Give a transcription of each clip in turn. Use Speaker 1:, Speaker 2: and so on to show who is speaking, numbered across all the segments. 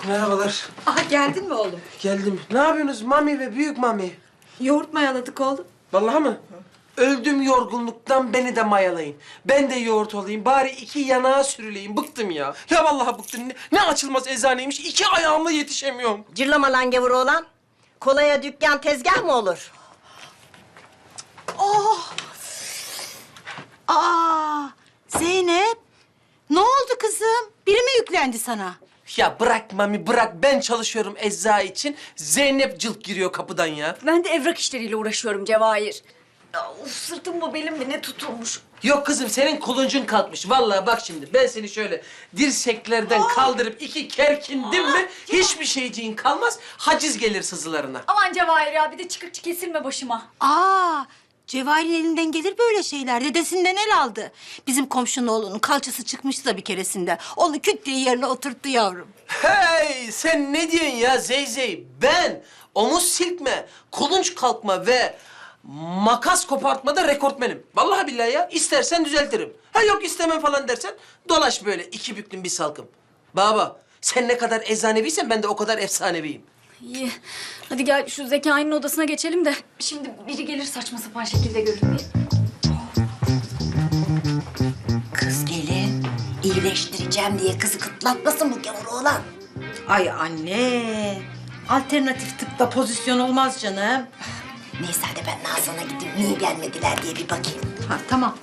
Speaker 1: Merhabalar.
Speaker 2: Aha geldin mi oğlum?
Speaker 1: Geldim. Ne yapıyorsunuz Mami ve Büyük Mami?
Speaker 2: Yoğurt mayaladık oğlum.
Speaker 1: Vallahi mı? Öldüm yorgunluktan, beni de mayalayın. Ben de yoğurt olayım. Bari iki yanağa sürüleyim. Bıktım ya. Ya vallahi bıktım. Ne açılmaz eczaneymiş. İki ayağımla yetişemiyorum.
Speaker 3: Cırlama lan gavur oğlan. Kolaya dükkan tezgah mı olur?
Speaker 2: Aa, Zeynep. Ne oldu kızım? Biri mi yüklendi sana?
Speaker 1: Ya bırak Mami bırak. Ben çalışıyorum ecza için. Zeynep cılk giriyor kapıdan ya.
Speaker 4: Ben de evrak işleriyle uğraşıyorum Cevahir. Ya, of, sırtım mı belim mi ne tutulmuş.
Speaker 1: Yok kızım senin kuluncun kalkmış. Vallahi bak şimdi ben seni şöyle dirseklerden kaldırıp iki kerkindim mi hiçbir şeyciğin kalmaz. Haciz gelir sızılarına.
Speaker 4: Aman Cevahir ya bir de çıkıkçı kesilme başıma.
Speaker 2: Aa, Cevahir'in elinden gelir böyle şeyler. Dedesinden el aldı. Bizim komşunun oğlunun kalçası çıkmıştı da bir keresinde. Onu küt diye yerine oturttu yavrum.
Speaker 1: Hey sen ne diyorsun ya Zeyzey? Ben omuz silkme, kulunç kalkma ve makas kopartmada rekortmenim. Vallahi billahi ya. İstersen düzeltirim. Ha yok istemem falan dersen dolaş böyle iki büklüm bir salkım. Baba sen ne kadar eczaneviysen ben de o kadar efsaneviyim.
Speaker 4: İyi. Hadi gel şu Zekai'nin odasına geçelim de. Şimdi biri gelir saçma sapan şekilde görünmeye.
Speaker 3: Kız gelin. İyileştireceğim diye kızı kıtlatmasın bu gavur oğlan.
Speaker 2: Ay anne. Alternatif tıpta pozisyon olmaz canım.
Speaker 3: Neyse hadi ben Nazan'a gideyim. Niye gelmediler diye bir bakayım.
Speaker 2: Ha tamam.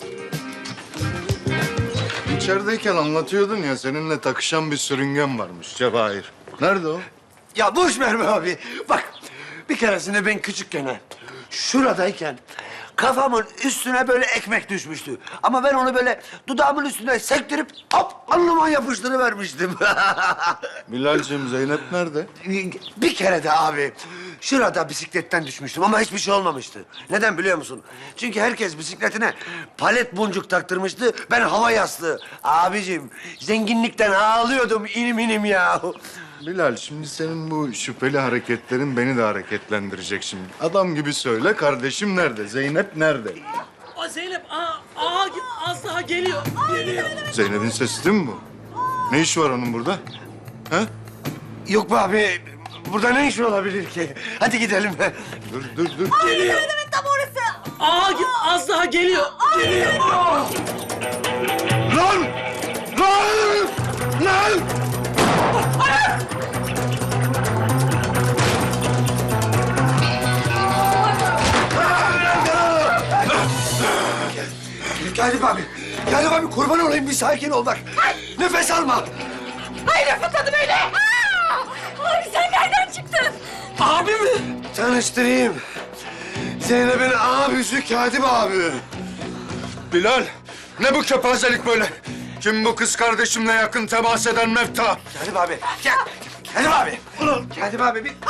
Speaker 5: İçerideyken anlatıyordun ya seninle takışan bir sürüngen varmış Cevahir. Nerede o?
Speaker 6: Ya boş ver be abi. Bak bir keresinde ben küçükken şuradayken kafamın üstüne böyle ekmek düşmüştü. Ama ben onu böyle dudağımın üstüne sektirip hop alnıma yapıştırıvermiştim.
Speaker 5: Bilal'cim Zeynep nerede?
Speaker 6: Bir kere de abi şurada bisikletten düşmüştüm ama hiçbir şey olmamıştı. Neden biliyor musun? Çünkü herkes bisikletine palet boncuk taktırmıştı. Ben hava yastığı. Abicim zenginlikten ağlıyordum inim inim ya.
Speaker 5: Bilal şimdi senin bu şüpheli hareketlerin beni de hareketlendirecek şimdi. Adam gibi söyle kardeşim nerede? Zeynep nerede?
Speaker 1: O Zeynep az daha geliyor.
Speaker 5: Zeynep'in sesi değil mi bu? Ne işi var onun burada? Ha?
Speaker 6: Yok be abi. Burada ne iş olabilir ki? Hadi gidelim.
Speaker 5: Dur.
Speaker 1: Az daha geliyor.
Speaker 6: Lan! Lan! Lan! Galip abi, Galip abi kurban olayım bir sakin ol bak. Nefes alma.
Speaker 4: Abi sen nereden çıktın?
Speaker 1: Abi mi?
Speaker 6: Tanıştırayım. Zeynep'in abisi Katip abi.
Speaker 5: Bilal ne bu kepazelik böyle? Kim bu kız kardeşimle yakın temas eden mefta?
Speaker 6: Katip abi, gel. Katip abi. Katip abi bir...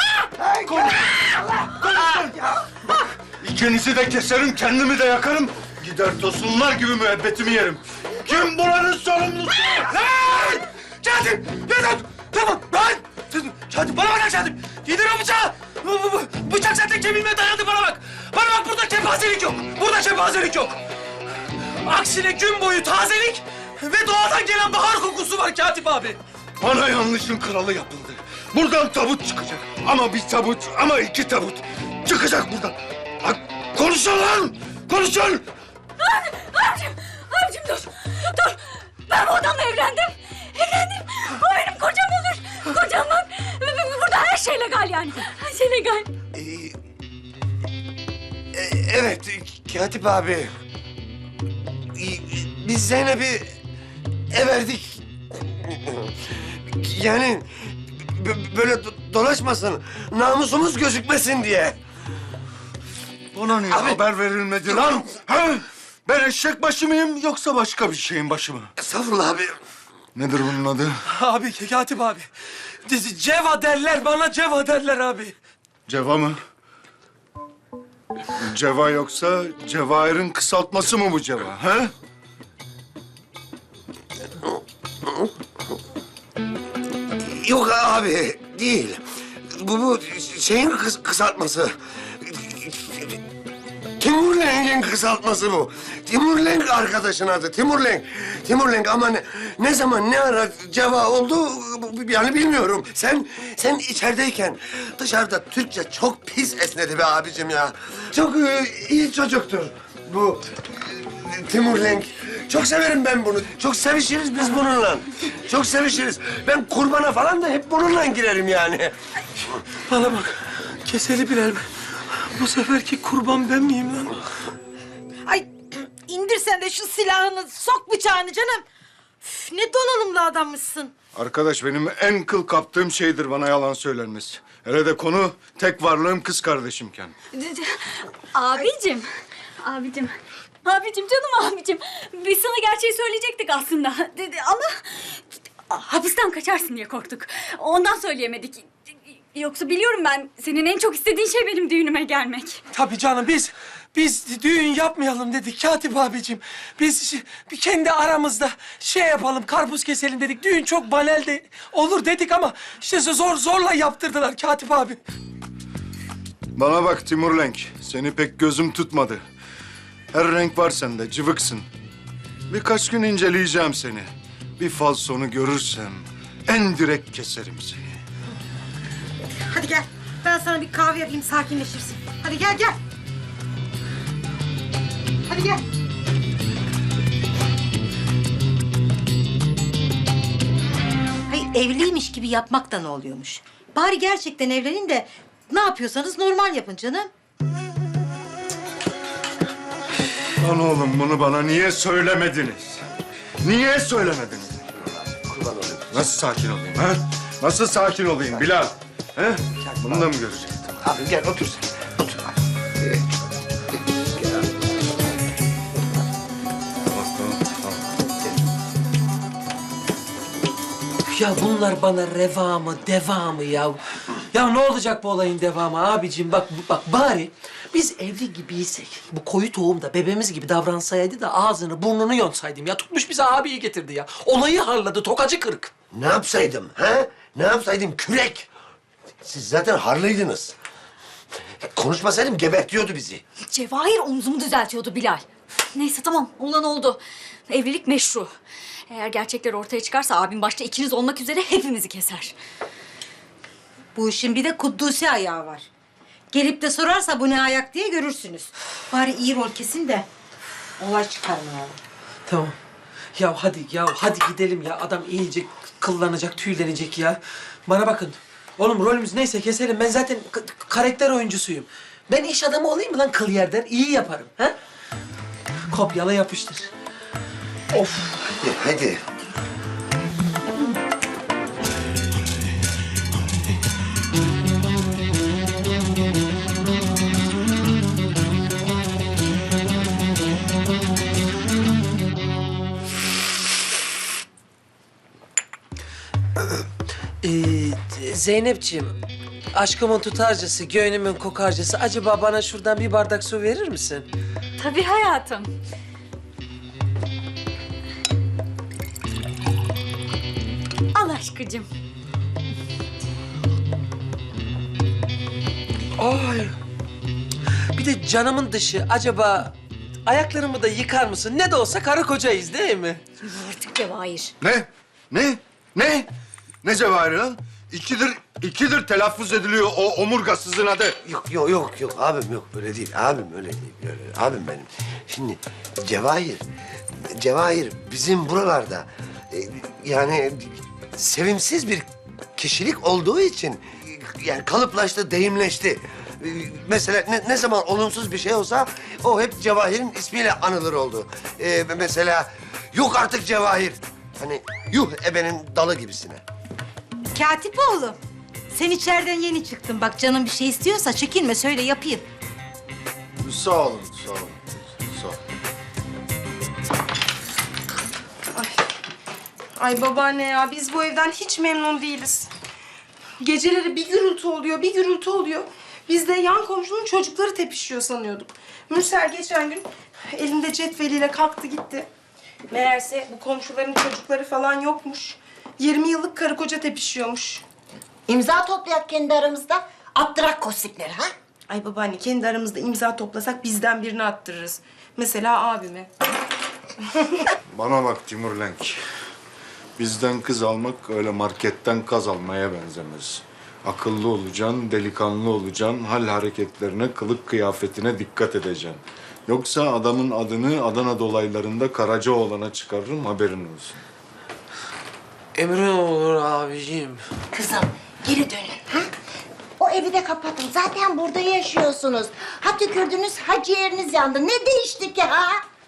Speaker 5: İkinizi de keserim, kendimi de yakarım. Gider tosunlar gibi müebbetimi yerim. Kim buranın sorumlusu?
Speaker 6: Lan! Katip! Yeter! Tamam, lan! Katip, bana bak Katip! Yedir o bıçağı! Bıçak zaten kemiğime dayandı, bana bak! Bana bak, burada kepazelik yok! Burada kepazelik yok!
Speaker 1: Aksine gün boyu tazelik ve doğadan gelen bahar kokusu var Katip abi.
Speaker 5: Bana yanlışın kralı yapıldı. Buradan tabut çıkacak. Ama bir tabut, ama iki tabut. Çıkacak buradan. Bak, konuşun lan! Konuşun!
Speaker 4: Abicim dur. Dur. Ben bu adamla evlendim. Evlendim. O benim kocam olur. Kocam bak. Burada her şey legal yani. Her şey legal.
Speaker 6: Evet, Katip abi. Biz Zeynep'i everdik. Yani böyle dolaşmasın, namusumuz gözükmesin diye.
Speaker 5: Bana niye
Speaker 6: Abi-
Speaker 5: haber verilmedi lan? Ha? Ben eşek başı mıyım yoksa başka bir şeyin başı mı?
Speaker 6: Estağfurullah abi.
Speaker 5: Nedir bunun adı?
Speaker 1: Abi Katip abi. Ceva derler bana Ceva derler abi.
Speaker 5: Ceva mı? Ceva yoksa Cevahir'in kısaltması mı bu Ceva? Ha?
Speaker 6: Yok abi, değil. Bu şeyin kısaltması. Timur Lenk'in kısaltması bu. Timurlenk arkadaşın adı, Timurlenk. Timurlenk ama ne zaman, ne ara ceva oldu yani bilmiyorum. Sen içerideyken dışarıda Türkçe çok pis esnedi be abicim ya. Çok iyi çocuktur bu Timurlenk. Çok severim ben bunu. Çok sevişiriz biz bununla. Çok sevişiriz. Ben kurbana falan da hep bununla girerim yani.
Speaker 1: Bana bak, keseli Bilal mi? Bu seferki kurban ben miyim lan?
Speaker 2: Ay indir sen de şu silahını, sok bıçağını canım. Üf, ne donanımlı adammışsın.
Speaker 5: Arkadaş benim en kıl kaptığım şeydir bana yalan söylenmesi. Hele de konu tek varlığım kız kardeşimken.
Speaker 4: Abicim. Abicim canım abicim. Biz sana gerçeği söyleyecektik aslında. Ama hapisten kaçarsın diye korktuk. Ondan söyleyemedik. Yoksa biliyorum ben senin en çok istediğin şey benim düğünüme gelmek.
Speaker 1: Tabii canım biz düğün yapmayalım dedik Katip abicim. Biz bir kendi aramızda şey yapalım, karpuz keselim dedik. Düğün çok banal de olur dedik ama işte zorla yaptırdılar Katip abi.
Speaker 5: Bana bak Timurlenk, seni pek gözüm tutmadı. Her renk var sende, cıvıksın. Birkaç gün inceleyeceğim seni. Bir falsonu görürsem en direkt keserim seni.
Speaker 2: Hadi gel. Ben sana bir kahve yapayım, sakinleşirsin. Hadi gel. Hadi gel. Hayır, evliymiş gibi yapmak da ne oluyormuş? Bari gerçekten evlenin de ne yapıyorsanız normal yapın canım.
Speaker 5: Lan oğlum bunu bana niye söylemediniz? Niye söylemediniz?
Speaker 6: Kurban olayım.
Speaker 5: Nasıl sakin olayım ha? Nasıl sakin olayım Bilal? He? Bunu da mı göreceksin?
Speaker 6: Abi gel otur sen. Otur abi. Gel abi.
Speaker 1: Ya bunlar bana reva mı, deva mı ya? Ya ne olacak bu olayın devamı abicim? Bak bari biz evli gibiysek bu koyu tohum da bebeğimiz gibi davransaydı da ağzını burnunu yonsaydım ya. Tutmuş bize abiyi getirdi ya. Olayı harladı, tokacı kırık.
Speaker 6: Ne yapsaydım ha? Ne yapsaydım kürek? Siz zaten harlıydınız. Konuşmasaydım gebertiyordu bizi.
Speaker 4: Cevahir omzumu düzeltiyordu Bilal. Neyse tamam olan oldu. Evlilik meşru. Eğer gerçekler ortaya çıkarsa abim başta ikiniz olmak üzere hepimizi keser.
Speaker 2: Bu işin bir de Kuddusi ayağı var. Gelip de sorarsa bu ne ayak diye görürsünüz. Bari iyi rol kesin de olay çıkarmayalım.
Speaker 1: Tamam. Hadi gidelim ya. Adam iyice kıllanacak, tüylenecek ya. Bana bakın. Oğlum rolümüz neyse keselim. Ben zaten karakter oyuncusuyum. Ben iş adamı olayım mı lan kıl yerden? İyi yaparım. Ha? Kopyala yapıştır. Of.
Speaker 6: Hadi.
Speaker 1: Zeynepciğim, aşkımın tutarcısı, gönlümün kokarcısı. Acaba bana şuradan bir bardak su verir misin?
Speaker 4: Tabii hayatım. Al aşkıcım.
Speaker 1: Ay. Bir de canımın dışı. Acaba ayaklarımı da yıkar mısın? Ne de olsa karı kocayız değil mi?
Speaker 4: Artık Cevahir.
Speaker 5: Ne? Ne? Ne cevahiri lan? İkidir telaffuz ediliyor o omurgasızın adı.
Speaker 6: Yok abim yok öyle değil. Abim öyle değil. Öyle. Abim benim. Şimdi Cevahir bizim buralarda yani sevimsiz bir kişilik olduğu için yani kalıplaştı, deyimleşti. Mesela ne zaman olumsuz bir şey olsa o hep Cevahir'in ismiyle anılır oldu. Mesela yok artık Cevahir. Hani yuh ebenin dalı gibisine.
Speaker 2: Katip oğlum, sen içeriden yeni çıktın. Bak canın bir şey istiyorsa çekinme, söyle yapayım.
Speaker 5: Sağ olun.
Speaker 7: Ay babaanne ya, biz bu evden hiç memnun değiliz. Geceleri bir gürültü oluyor. Biz de yan komşunun çocukları tepişiyor sanıyorduk. Mürsel geçen gün elinde cetveliyle kalktı gitti. Meğerse bu komşuların çocukları falan yokmuş. 20 yıllık karı koca tepişiyormuş.
Speaker 3: İmza toplayak kendi aramızda. Attırak kostikleri ha?
Speaker 7: Ay babaanne, kendi aramızda imza toplasak bizden birini attırırız. Mesela abime.
Speaker 5: Bana bak Timur Lenk. Bizden kız almak öyle marketten kaz almaya benzemez. Akıllı olacaksın, delikanlı olacaksın, hal hareketlerine, kılık kıyafetine dikkat edeceksin. Yoksa adamın adını Adana dolaylarında Karacaoğlan'a çıkarırım, haberin olsun.
Speaker 1: Emrin olur abiciğim.
Speaker 3: Kızım geri dönün. Ha? O evi de kapatın. Zaten burada yaşıyorsunuz. Ha tükürdünüz, ha ciğeriniz yandı. Ne değişti ki ha?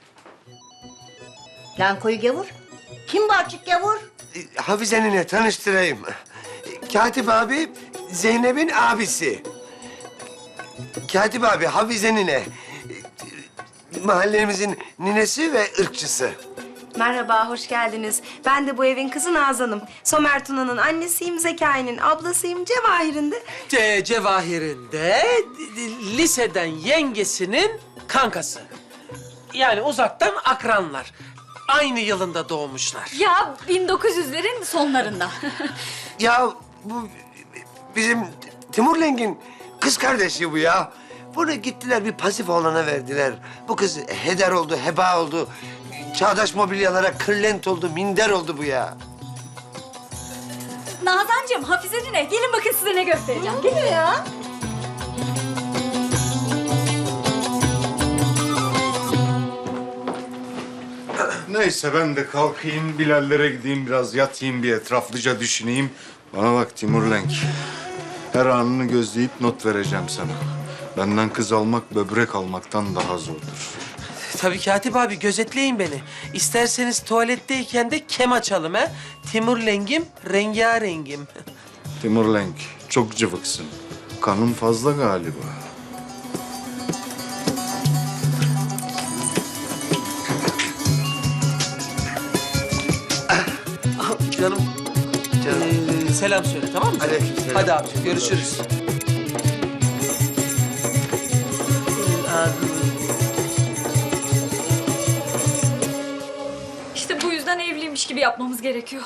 Speaker 3: Lan koyu gavur. Kim bu açık gavur?
Speaker 6: Hafize nene tanıştırayım. Katip abi Zeynep'in abisi. Katip abi Hafize nene. Mahallemizin ninesi ve ırkçısı.
Speaker 7: Merhaba, hoş geldiniz. Ben de bu evin kızı Nazan'ım. Somer Tuna'nın annesiyim, Zekai'nin ablasıyım, Cevahir'in de...
Speaker 1: Cevahir'in de liseden yengesinin kankası. Yani uzaktan akranlar. Aynı yılında doğmuşlar.
Speaker 4: Ya 1900'lerin sonlarında.
Speaker 6: Ya bu bizim Timur Lenk'in kız kardeşi bu ya. Bunu gittiler bir pasif oğlana verdiler. Bu kız heder oldu, heba oldu. Çağdaş mobilyalara kırlent oldu, minder oldu bu ya.
Speaker 4: Nazancığım, Hafize Nine, gelin bakın size ne göstereceğim. Gelin ya.
Speaker 5: Neyse ben de kalkayım, Bilallere gideyim, biraz yatayım, bir etraflıca düşüneyim. Bana bak Timur Lenk. Her anını gözleyip not vereceğim sana. Benden kız almak böbrek almaktan daha zordur.
Speaker 1: Tabii Katip abi gözetleyin beni. İsterseniz tuvaletteyken de kem açalım ha. Timur Lengim, rengarengim.
Speaker 5: Timur Lenk, çok cıvıksın. Kanın fazla galiba.
Speaker 1: Canım, selam söyle tamam mı?
Speaker 6: Aleykümselam.
Speaker 1: Hadi abi görüşürüz.
Speaker 4: İşte bu yüzden evliymiş gibi yapmamız gerekiyor.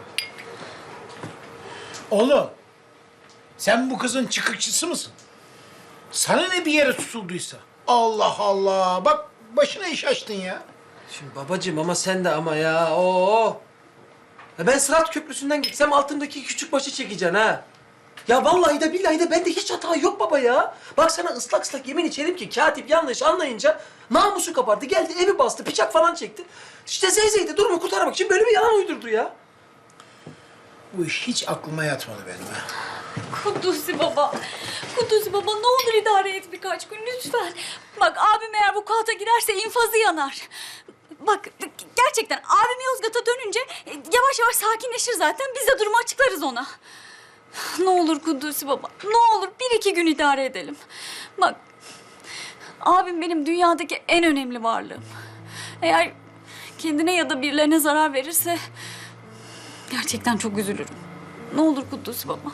Speaker 8: Oğlum, sen bu kızın çıkıkçısı mısın? Sana ne bir yere tutulduysa? Allah Allah, bak başına iş açtın ya.
Speaker 1: Şimdi babacığım ama sen de ama ya. Oo. Ya ben Sırat Köprüsü'nden gitsem altındaki küçük başı çekeceksin ha. Ya vallahi de billahi de bende hiç hata yok baba ya. Bak sana ıslak ıslak yemin içerim ki katip yanlış anlayınca namusu kapardı. Geldi evi bastı, bıçak falan çekti. İşte Zeyzey de durumu kurtarmak için böyle bir yalan uydurdu ya.
Speaker 8: Bu iş hiç aklıma yatmadı benim ha.
Speaker 4: Kudüs'ü baba. Kudüs'ü baba ne olur idare et birkaç gün lütfen. Bak abim eğer bu kalta giderse infazı yanar. Bak gerçekten abim Yozgat'a dönünce yavaş yavaş sakinleşir zaten. Biz de durumu açıklarız ona. Ne olur Kudüs'ü baba. Ne olur bir iki gün idare edelim. Bak abim benim dünyadaki en önemli varlığım. Eğer kendine ya da birilerine zarar verirse gerçekten çok üzülürüm. Ne olur Kudüs'ü baba.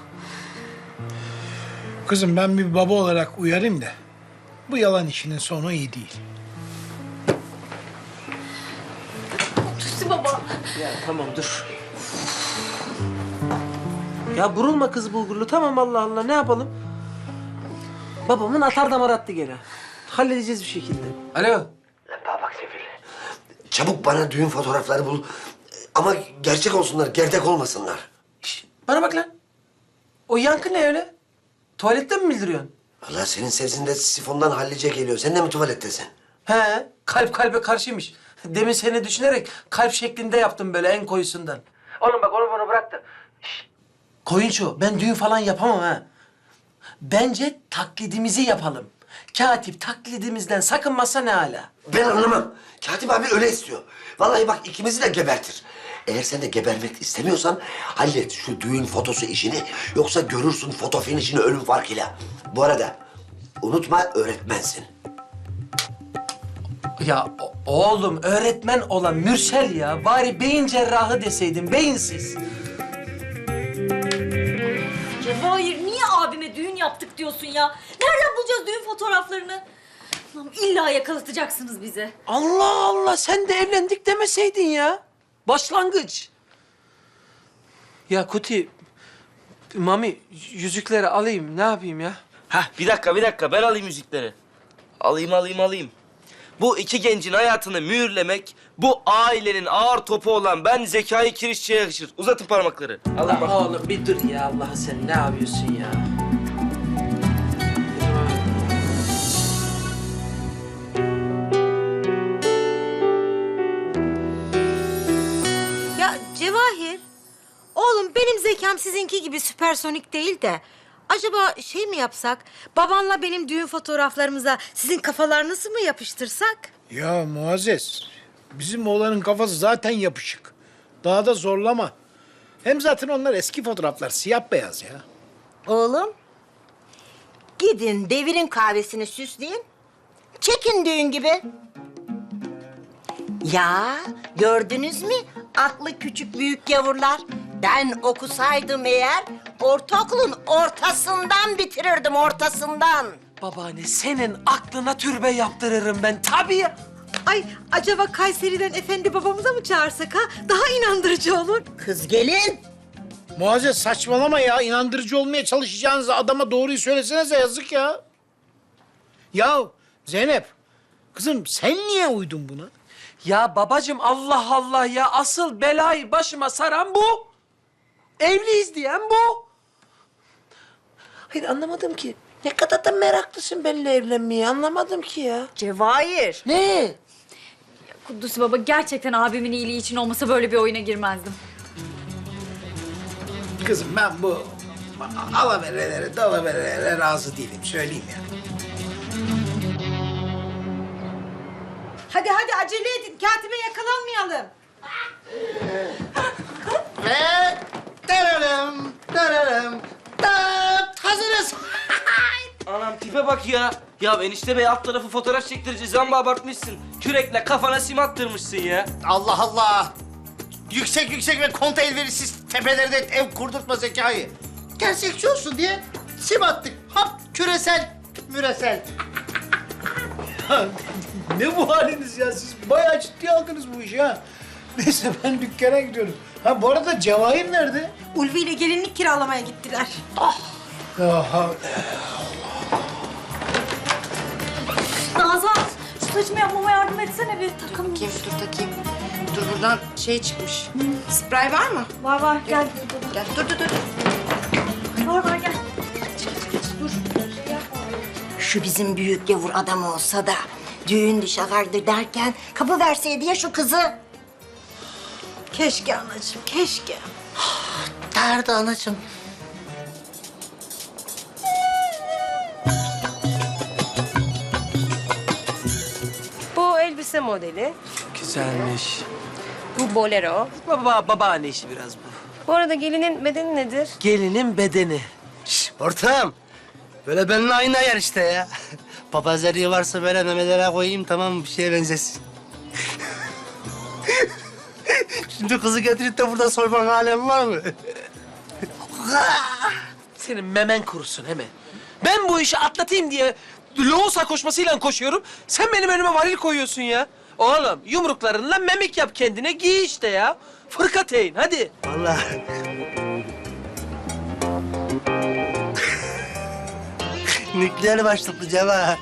Speaker 8: Kızım ben bir baba olarak uyarayım da bu yalan işinin sonu iyi değil.
Speaker 4: Kudüs'ü baba.
Speaker 1: Ya tamam dur. Ya burulma kız bulgurlu tamam Allah Allah ne yapalım? Babamın atar damar attı gene. Halledeceğiz bir şekilde. Alo.
Speaker 6: Lan bana bak Sefil. Çabuk bana düğün fotoğrafları bul. Ama gerçek olsunlar, gerdek olmasınlar.
Speaker 1: Şş, bana bak lan. O yankı ne öyle? Tuvaletten mi bildiriyorsun?
Speaker 6: Vallahi senin sesin de sifondan hallice geliyor. Sen de mi tuvalettesin?
Speaker 1: He, kalp kalbe karşıymış. Demin seni düşünerek kalp şeklinde yaptım böyle en koyusundan. Oğlum bak onu bana bırak da. Şşt. Koyunço, ben düğün falan yapamam ha. Bence taklidimizi yapalım. Katip taklidimizden sakınmazsa ne hala.
Speaker 6: Ben anlamam. Katip abi öyle istiyor. Vallahi bak ikimizi de gebertir. Eğer sen de gebermek istemiyorsan hallet şu düğün fotosu işini. Yoksa görürsün foto finişini ölüm farkıyla. Bu arada unutma öğretmensin.
Speaker 1: Ya oğlum öğretmen olan Mürsel ya. Bari beyin cerrahı deseydin, beyinsiz.
Speaker 4: Cevahir niye abime düğün yaptık diyorsun ya? Nereden bulacağız düğün fotoğraflarını? Lan illa yakalatacaksınız bizi.
Speaker 1: Allah Allah sen de evlendik demeseydin ya. Başlangıç. Ya Kuti, Mami yüzükleri alayım ne yapayım ya?
Speaker 9: Hah bir dakika ben alayım müzikleri. Alayım. Bu iki gencin hayatını mühürlemek, bu ailenin ağır topu olan ben Zekai Kirişçi'ye yakışır. Uzatın parmakları.
Speaker 1: Allah oğlum bir dur ya, Allah'ı sen ne yapıyorsun ya?
Speaker 2: Ya Cevahir, oğlum benim zekam sizinki gibi süpersonik değil de... Acaba şey mi yapsak, babanla benim düğün fotoğraflarımıza sizin kafalarınızı mı yapıştırsak?
Speaker 8: Ya Muazzez, bizim oğlanın kafası zaten yapışık. Daha da zorlama. Hem zaten onlar eski fotoğraflar, siyah beyaz ya.
Speaker 3: Oğlum, gidin devirin kahvesini süsleyin. Çekin düğün gibi. Ya gördünüz mü aklı küçük büyük gavurlar? Ben okusaydım eğer ortaokulun ortasından bitirirdim, ortasından.
Speaker 1: Babaanne senin aklına türbe yaptırırım ben tabii ya.
Speaker 2: Ay acaba Kayseri'den efendi babamıza mı çağırsak ha? Daha inandırıcı olur.
Speaker 3: Kız gelin.
Speaker 8: Muazzez saçmalama ya. İnandırıcı olmaya çalışacağınızda adama doğruyu söylesenize, yazık ya. Ya Zeynep, kızım sen niye uydun buna?
Speaker 1: Ya babacığım Allah Allah ya, asıl belayı başıma saran bu. Evliyiz diyen bu. Hayır anlamadım ki. Ne kadar da meraklısın benimle evlenmeye, anlamadım ki ya.
Speaker 3: Cevahir.
Speaker 1: Ne?
Speaker 4: Kudüs baba, gerçekten abimin iyiliği için olmasa böyle bir oyuna girmezdim.
Speaker 8: Kızım ben bu alaverelere, dalaverelere razı değilim, söyleyeyim ya.
Speaker 2: Hadi acele edin, katibe yakalanmayalım.
Speaker 8: Ve tararım, hazırız.
Speaker 9: Anam tipe bak ya. Ya enişte bey alt tarafı fotoğraf çektireceğiz. Amma abartmışsın. Kürekle kafana sim attırmışsın ya.
Speaker 8: Allah Allah. Yüksek ve konta elverişsiz tepelerde ev kurdurtma Zekai. Gerçekçi olsun diye sim attık. Hop küresel, müresel. Ne bu haliniz ya? Siz bayağı ciddiye aldınız bu işi ha. Neyse ben dükkana gidiyorum. Ha bu arada Cevahir nerede?
Speaker 2: Ulvi ile gelinlik kiralamaya gittiler.
Speaker 8: Aha.
Speaker 4: Nazan, şu saçımı yapmama yardım etsene bir takım.
Speaker 7: Dur takayım. Dur buradan şey çıkmış. Sprey var mı?
Speaker 4: Var gel.
Speaker 7: Gel. Dur.
Speaker 4: Var gel.
Speaker 3: Şu bizim büyük gavur adam olsa da düğün şakardı derken kapı verseydi ya şu kızı.
Speaker 2: Keşke anacığım, keşke.
Speaker 3: Derdi anacığım.
Speaker 7: Bu elbise modeli.
Speaker 1: Güzelmiş.
Speaker 7: Bu bolero.
Speaker 1: Babaanne işi biraz bu.
Speaker 7: Bu arada gelinin bedeni nedir?
Speaker 1: Gelinin bedeni.
Speaker 10: Ortağım, böyle benimle aynı ayar işte ya. Papazeriği varsa böyle memelere koyayım, tamam mı? Bir şeye benzesin. Şimdi kızı getirip de burada soyman alem var mı?
Speaker 1: Senin memen kurusun he mi? Ben bu işi atlatayım diye loğusa koşmasıyla koşuyorum. Sen benim önüme varil koyuyorsun ya. Oğlum yumruklarınla memik yap kendine, giy işte ya. Fırkateyn hadi.
Speaker 10: Vallahi. Nükleer başlıklı Ceva.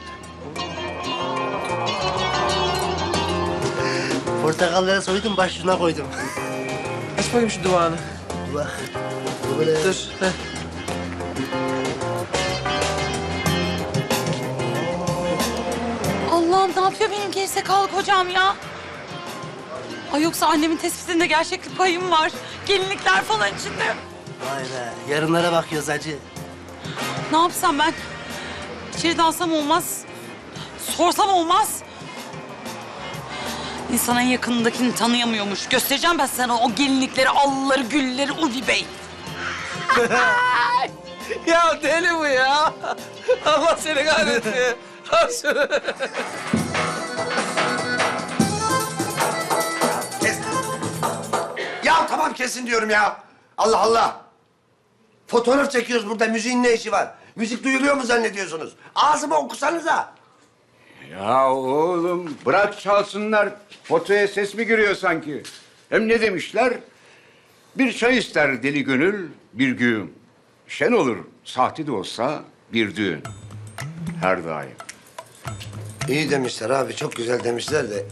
Speaker 10: Portakalları soydum, başucuna koydum.
Speaker 1: Aç bakayım şu duvağını.
Speaker 10: Allah. Böyle.
Speaker 1: Dur. Heh.
Speaker 11: Allah'ım ne yapıyor benim gerizekalı kocam ya? Ay yoksa annemin tespitinde gerçeklik payım var. Gelinlikler falan içinde.
Speaker 10: Vay be, yarınlara bakıyoruz hacı.
Speaker 11: Ne yapsam ben? İçeri dalsam olmaz. Sorsam olmaz. İnsan en yakınındakini tanıyamıyormuş. Göstereceğim ben sana o gelinlikleri, allıları, gülleri Ulvi Bey.
Speaker 1: Ya deli bu ya. Allah seni kahretsin. Al şunu.
Speaker 6: Kes. Ya tamam kesin diyorum ya. Allah Allah. Fotoğraf çekiyoruz burada. Müziğin ne işi var? Müzik duyuluyor mu zannediyorsunuz? Ağzıma okusanıza.
Speaker 12: Ya oğlum bırak çalsınlar. Fotoya ses mi giriyor sanki? Hem ne demişler? Bir çay ister deli gönül bir gün. Şen olur sahte de olsa bir düğün. Her daim.
Speaker 6: İyi demişler abi, çok güzel demişler de.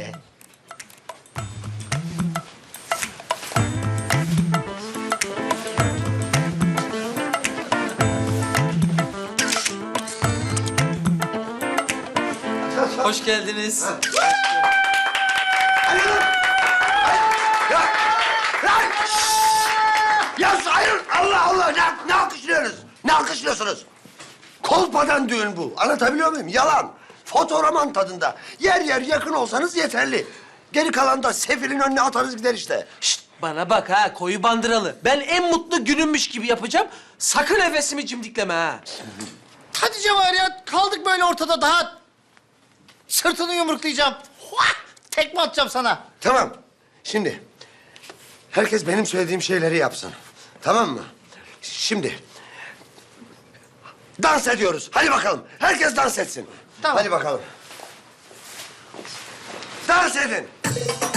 Speaker 1: Hoş geldiniz.
Speaker 6: Ya hayır, Allah Allah! Ne alkışlıyorsunuz? Ne alkışlıyorsunuz? Kolpadan düğün bu. Anlatabiliyor muyum? Yalan. Fotoroman tadında. Yer yer yakın olsanız yeterli. Geri kalan da sefilin önüne atarız gider işte.
Speaker 1: Şşt, bana bak ha, koyu bandıralı. Ben en mutlu günümmüş gibi yapacağım. Sakın nefesimi cimdikleme ha.
Speaker 8: Hadi Cevher ya, kaldık böyle ortada daha. Sırtını yumruklayacağım. Huah! Tekme atacağım sana.
Speaker 6: Tamam. Şimdi herkes benim söylediğim şeyleri yapsın. Tamam mı? Şimdi dans ediyoruz. Hadi bakalım. Herkes dans etsin.
Speaker 8: Tamam.
Speaker 6: Hadi bakalım. Dans edin.